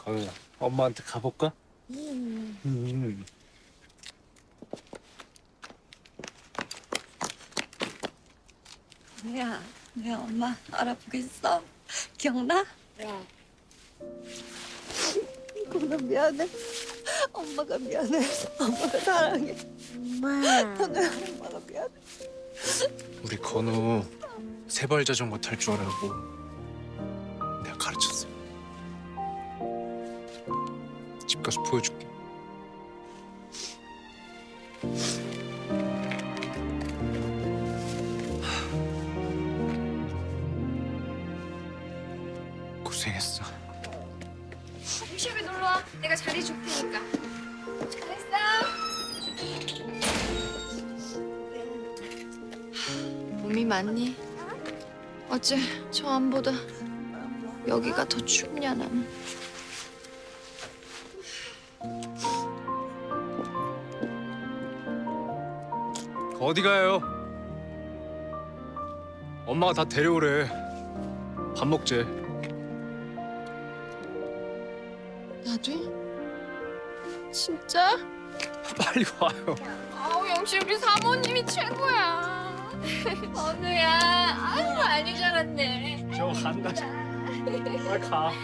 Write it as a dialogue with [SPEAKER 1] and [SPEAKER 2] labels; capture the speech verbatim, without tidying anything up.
[SPEAKER 1] 건우야, 엄마한테 가볼까? 음. 음.
[SPEAKER 2] 내야, 내야 엄마 알아보겠어. 기억나?
[SPEAKER 3] 네.
[SPEAKER 2] 건우 미안해. 엄마가 미안해. 엄마가 사랑해.
[SPEAKER 3] 엄마.
[SPEAKER 2] 건우야, 엄마가 미안해.
[SPEAKER 1] 우리 건우 세발 자전거 탈 줄 알고 내가 가르쳤어. 집 가서 보여줄게. 고생했어.
[SPEAKER 3] 홈쇼에 놀러 와. 내가 자리 줄 테니까. 잘했어. 몸이 많니? 어째 저 안보다 여기가 더 춥냐 나는.
[SPEAKER 1] 어디 가요? 엄마가 다 데려오래. 밥 먹재.
[SPEAKER 3] 나도? 진짜?
[SPEAKER 1] 빨리 와요.
[SPEAKER 3] 아우 역시 우리 사모님이 최고야. 건우야, 아유 많이 자랐네.
[SPEAKER 1] 저 간다. 빨리 가.